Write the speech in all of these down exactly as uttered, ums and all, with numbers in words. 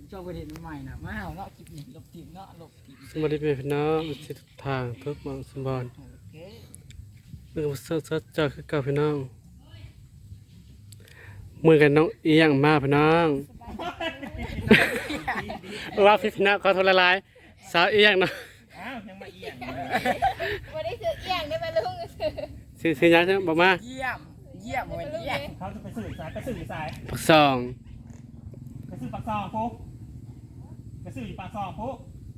ชอบประเด็นใหม่นะมาเอาเนาะคลิปนี้ลบทีมเนาะลบทีมสวัสดีพี่น้องสิทุกทางทุกหมองสมบูรณ์เมื่อเสิร์ชเจอคือเก่าพี่น้องมือกันน้องเอียงมาพี่น้องว่าพี่พี่น้องขอโทษละลายสาวเอียงเนาะอ้าวยังมาเอียงวันนี้คือเอียงได้ไหมลุงสิสิยังใช่บอกมาเยี่ยมเยี่ยมวันเยี่ยมเขาจะไปสื่อสายไปสื่อสายปักซองไปสื่อปากซองปุ๊บไปสื่อปากซองปุ๊บ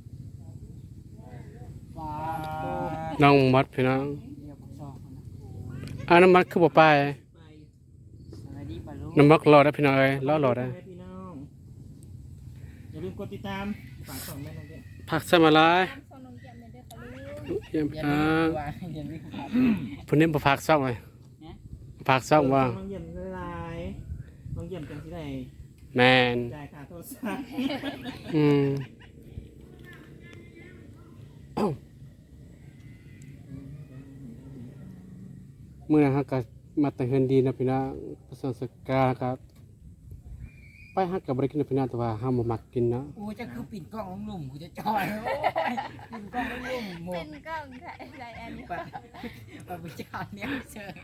ว้าน้องมัดพี่น้องเยี่ยมสองคนนะอ่าน้ำมัดคือบ่ไปสวัสดีปะลุงน้ำมัดรอได้พี่น้องเอ้ยรอรอได้พี่น้องอย่าลืมกดติดตามฝากส่งแม่น้องเด็กผักสมาลายส่งนมเกี๊ยวเมเดอร์ค่ะลุงเยี่ยมเยี่ยพี่น้องว่าเยี่ยมวิ่งครับผู้นี้บ่ผักซ่องเลยผักซ่องว่าน้องเยี่ยมละลายน้องเยี่ยมจังที่ไหนแมนจ่ายค่าโทรศัพท์อืมเมื่อนะครับก็มาแต่เฮือนดีนะพี่น้องประสบการณ์ครับไปฮักกับบริกินนะพี่น้องแต่ว่าห้ามบ่มักกินเนาะโอ้จะคือปิดกล้องลุ่มกูจะจอยโอ้ยปิดกล้องลุ่มหมเป็ดนกล้องถ่ายรายอันนี้ปะปะวิจารณ์เนี่ยเชย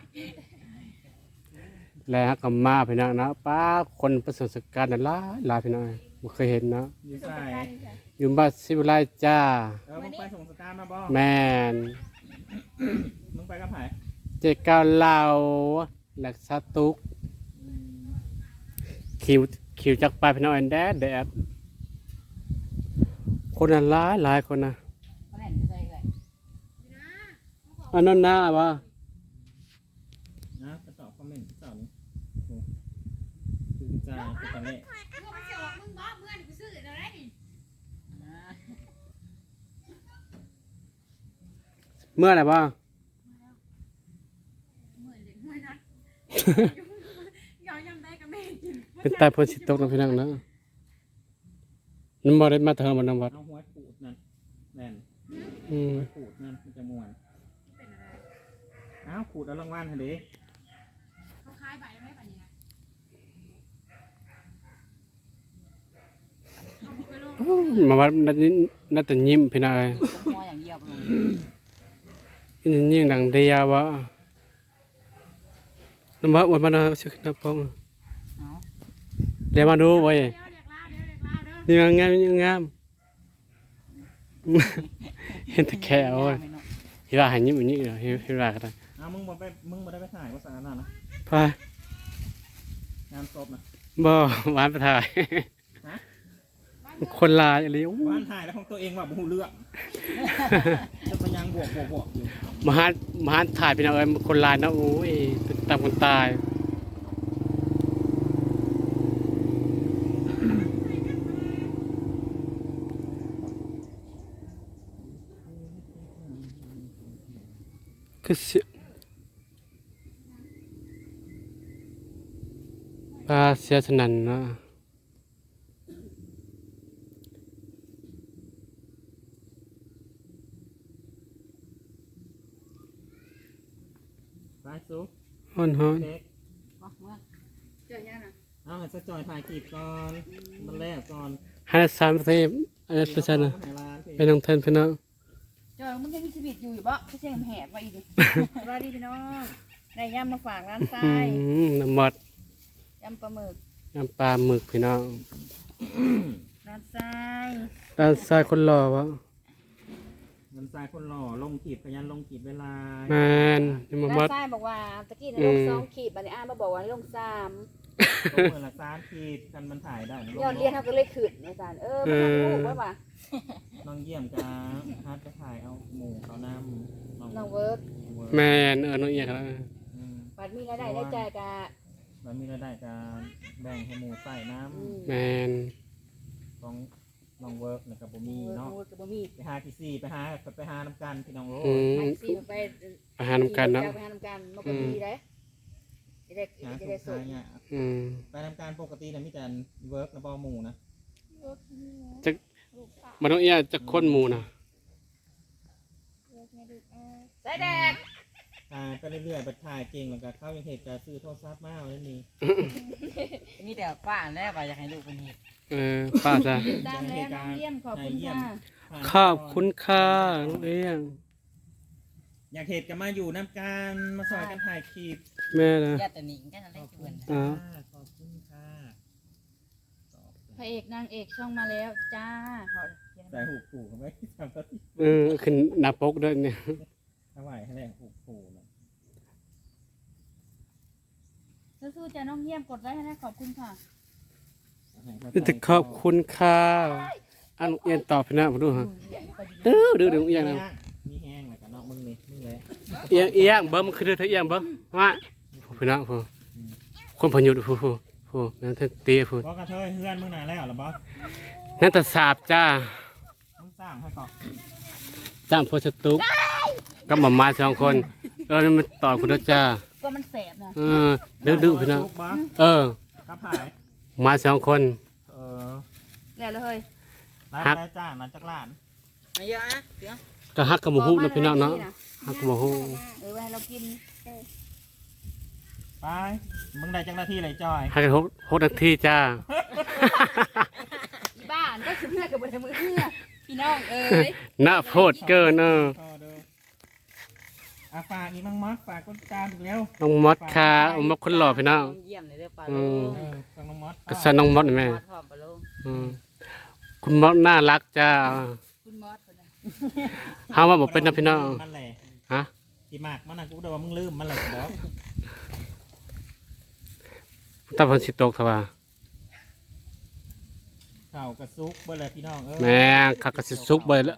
แล้วฮักกับมาพี่น้องนะป้าคนประสบการณ์น่ะหลายหลายพี่น้องบ่เคยเห็นเนาะอยู่ใส่อยู่บ้านสิวิไลจ้าเออมึงไปส่งสตาร์มาบ่แมนมึงไปกับไผ่เจ๊ก้าวเหล่าหลักสตุกคิวคิวจักไปพี่น้องแดดแดดคนน่ะหลายหลายคนนะมาเล่นใส่เลยอันนั้นนะว่านะไปตอบคอมเมนต์เสาร์นี้คือจ่ายตอนนี้เมื่อไหร่บ้าง เป็นตาพนสิตกนะพี่น้องนะน้ำบ่ได้มาเทิงบนน้ำวัดเอาหัวขูดนั่นแน่นอืมหัวขูดนั่นมันจะม่วนอ้าวขูดเอารางวัลฮะเด้มาวัดนัดนี้นัดแต่ยิ้มพี่น้องเอ้ยมออย่างเยี่ยมเลยยิ้มยิ้มดังเดียววะน้ำวัดวันมาเนาะชื่อน้ำพงเอาเดี๋ยวมาดูไว้ยังงามยังงาม เห็นแต่แค่โอ้ยพี่ว่าหายยิ้มอย่างนี้เหรอพี่พี่ว่าก็ได้อ้าวมึงบ่ไปมึงบ่ได้ไปถ่ายว่าสารนั่นนะพายงานศพนะบ่หวานไปถ่ายฮะคนลายอะไรโอ้บ้านถ่ายแล้วของตัวเองว่าบ่ฮู้เรื่องจะไปยังบวกบวกบวกอยู่มหามหาถ่ายเป็นเอาเอ้ยคนลายนะโอ้ยตามคนตายคือเสียปลาเสียสนั่นเนาะไปซุฮ้อนฮ้อนเด็กเอามาเอาให้สะจอยถ่ายคลิปก่อนมันแรกก่อนห้าสามสิบอันนี้เป็นชนะให้ร้านสิเป็นน้องเทนพี่น้องจอยมึงยังมีชีวิตอยู่อยู่บ่ไม่ใช่แหบมาอีกดิสวัสดีพี่น้องได้ย่ำมาฝากร้านทราอืยมน้ำมัดยำปลาหมึกน้ำปลาหมึกพี่น้องร้านทรายด้านซ้ายคนหล่อวะเงินทรายคนหล่อลงขีดพยันลงขีดเวลาแมนนี่มาร้ามันดทรายบอกว่าตะกี้ในลงสองขีดบัดนี้อ้านมาบอกว่าลงสามลงเมื่อละสามขีดกันมันถ่ายได้นะยอดเรียนเขาก็เลยขึ้นอาจารย์เออมันทำถูกว่าป่ะน้องเยี่ยมกับฮัทจะถ่ายเอาหมูเขาน้ำน้องเวิร์กแมนเออน้องเอียกแล้วอืมบัดมีรายได้ได้ใจกะแล้วมีรายได้การแบ่งให้หมูใส่น้แมนำของน้องเวิร์กนะครับผมมีน้องเนาะเวิร์กกับบ่มีไปหาที่สี่ไปหาไปหาน้ำกันพี่น้องโรอืมไปสี่ไปอาหารนำกันเนาะไปหาน้ำกันมันก็ดีเลยจะได้หาจะสุได้ดสุท้าดยเนี่ยอืมไปทำการปกตินะมีแต่เวิร์กนะบอหมูนะจะมาน้องเอียจะค้นหมูนะใส่แดกถ่ายไปเรื่อยๆบัดถ่ายเก่งแล้วก็เข้ายังเหตุการณ์ซื้อโทรศัพท์มาเอาแล้วนี่มีแต่ป้าแล้วว่าอยากให้ลูกเป็นเฮ็ดเออป้าจ้ะตามแล้วน้องเยี่ยมขอบคุณค่ะขอบคุณค่ะน้องเอี้ยงอยากเหตุกันมาอยู่น้ำการมาซอยกันถ่ายคลิปแม่นะญาติหนิงกันอะไรขอบชคุวนณอ๋อค่ะขอบคุณค่ะตอบพระเอกนางเอกช่องมาแล้วจ้าขอใส่หูปู่เขาไหมทำก็ที่เออขึ้นหน้าปกด้วยเนี่ยถวายให้แรงหูปู่นะสู้ๆจ้าน้องเยี่ยมกดไว้ให้นะขอบคุณค่ะจะขอบคุณค่ะอันน้องเอี้ยงตอบพี่นะมาดูฮะเด้อเด้อเด้อเอี้ยงนะมีแห้งแล้วกันเนาะมึงนี่มึงเลยเอี้ยงเอี้ยงเบิ่มคือเด้อเธอเอี้ยงเบิ่มว่าพี่นะผู้คนพยุดผู้ผู้ผู้นั่นเธอตีผู้บอกกระเทยเฮือนมึงนานแล้วหรอบอสนั่นแต่สาบจ้ามึงสร้างให้ก่อนจ้างโพสตุกก็มามาสองคนเออนี่มันต่อคุณด้วยจ้าก็มันแสบนะเออดื้อดื้อพี่นะลูกบอสเออครับผายมาสองคนเออแล้วเลยรายฮักได้จ้างมาจากร้านมาเยอะนะเดี๋ยวก็ฮักกับหมูฮู้นะพี่น้องเนาะฮักกับหมูฮู้เออไว้ให้เรากินไปมึงได้จังหน้าที่อะไรจอยฮักกันหกหกนาทีจ้าอีบ้านก็คือเพื่อนกับบนมือเพื่อพี่น้องเอ้ยหน้าโพดเกินเออต่อเด้ออาฝากอีกมั่งมัดฝากคนตามอีกแล้วน้องมดค่ะน้องมดคนหล่อพี่น้องเยี่ยมเลยเด้อป้าอืลูมกเออฟังน้องมัดก็สนน้องมดนี่แม่มอดพร้อมป้าลูกอืมคุณมดน่ารักจ้าคุณมอสคนนั้นเฮาว่าบ่เป็นนะพี่น้องมันแหละฮะที่มากมันนะกูเดาว่ามึงลืมมันแหละบอสตาเพิ่นสิตกซะว่าเข่ากระซุกเบอร์เลยพี่น้องเออแม่คักก็สิสุกเบิดแล้ว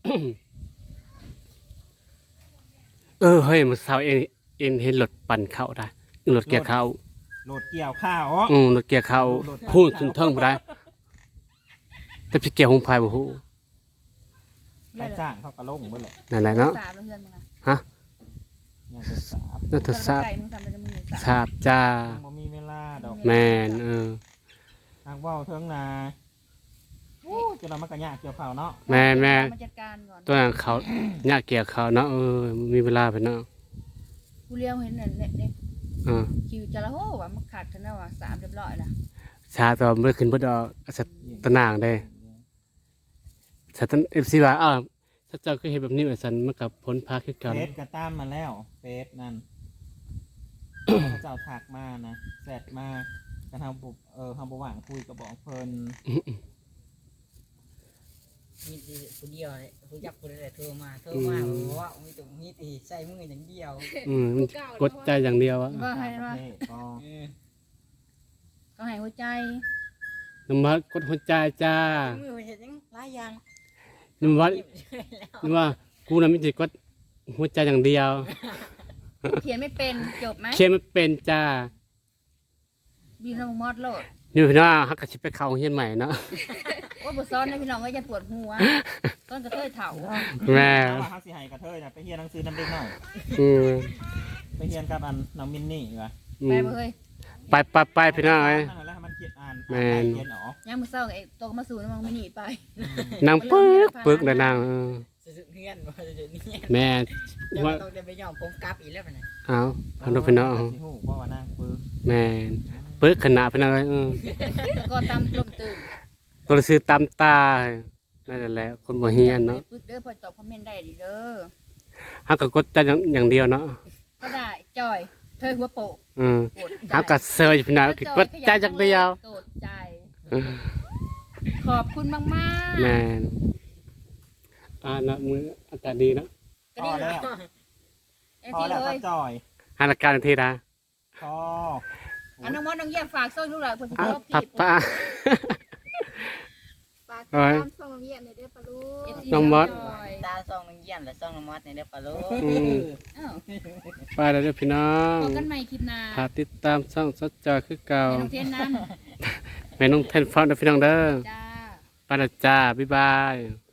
เออเฮ้ยมื้อเช้าเองเองเห็นรถปั่นเข้าได้รถเกียร์เข้าโหลดเกี่ยวข้าวอ๋ออืมรถเกียร์เข้าพูดถึงเทิงบ่ได้แต่พี่เกียร์หงพายบ่ฮู้ไปจ้างเขากระลงเบอร์เลยนั่นแหละเนาะสามแล้วเพื่อนมึงอะยังจะสาบน่าจะทราบไก่มึงทำเป็นมือสามทราบจ้ายังบ่มีเวลาดอกแม่นเออทางว่าวเทิงนาโอ้จะเรามากระยะเกี่ยวข้าวเนาะแม่แม่มาจัดการก่อนตัวนั้นเขายากเกียร์เขาเนาะเออมีเวลาไปเนาะกูเลี้ยวเห็นเนี่ยเนี่ยเนี่ยอ่าคิวจะละโหว่ะมันขาดกันแล้วว่ะสามเรียบร้อยนะชาตัวบ่ได้ขึ้นบ่ดอกอาสตะนางได้สตัน เอฟ ซี ว่าอ้าวถ้าเจ้าคือเฮ็ดแบบนี้ว่าซั่นมันก็ผลพาคือกันเฟสกระตั้มมาแล้วเฟสนั่น เจ้าถักมานะแซดมากันทำบุเออทำบุหว่างคุยกับบอกเพลินมีแต่ผู้เดียวเลยผู้จักผู้ใดโทรมาโทรมาบอกว่ามีตรงนี้ตีใส่มืออย่างเดียวอืมมันกดใจอย่างเดียวอะว่าให้ว่าเท่ก็เออก็ให้หัวใจน้ำมัดกดหัวใจจ้ามือเห็นยังหลายอย่างน้ำมัดน้ำว่ากูน่ะมีแต่กดหัวใจอย่างเดียวเขียนไม่เป็นจบไหมเขียนไม่เป็นจ้าบีน้องมอดโลดนี่พี่น้องฮักก็สิไปเข้าโรงเรียนใหม่เนาะว่าบุซ้อนนะพี่น้องก็จะปวดหัวต้นกระเทยเถาแม่ถ้าว่าฮักสิไห้กระเทยนะไปเฮียนหนังสือน้ำเด็กหน่อยอืมไปเฮียนกับอันน้องมินนี่วะอืไปมบ่เฮ้ยไปไปไปพี่น้องเอ้ยนั่นแหละให้มันเขียนอ่านแม่นเขียนออกย่างมือเศร้าไอ้ตัวก็มาสู่น้ำมันไม่หนีไปนางปึกปึกเลยนางเออสุดเงี้ยนว่าจะนี่แม่จะว่าต้องจะไปย่อมผมกลับอีกแล้วปะเนี่ยเอาพันธุพี่น้องสิฮู้ว่าว่านั่งปึกแม่นปึกขนาดพี่น้องเอ้ยเออก็ตามกลมตื่นตัวซื้อตามตานั่นแหละคนบ่เฮียนเนาะปึ๊กเด้อพอตอบคอมเมนต์ได้ดิเด้อฮักก็กดใจอย่างอย่างเดียวเนาะก็ได้จอยเธอหัวโปะอืมโกรธใจฮักก็เซอร์อยู่พี่น้องคือกดใจอย่างเดียวโกรธใจ ขอบคุณมากมากแม่นอ่านะมืออากาศดีเนาะก็พอดีแล้วเอ็นพอทีแล้วเลก็ยจอยหาอาการทีนะพออันน้องมอสน้องเยี่ยมฝากซ่อยลูกหลานเพื่อนอ่ะชอบป้าผิดป้าฝากเอาติดไว้ตามช่องน้ำเยี่ยมในเด้อปลาลูกเอฟซีน้องมอสจอยตาซองนึงเยี่ยมและซองน้ำมอดในเด้อป้าลูกอืมอ้าวไปแล้วเด้อพี่น้องพบกันใหม่คลิปหน้าฝากติดตามช่องสดจอคือเก่าให้น้องเทนน้แม่น้องเทนฟ้าเด้อพี่น้องเด้อำจ้าไปแล้วจ้าบ๊ายบาย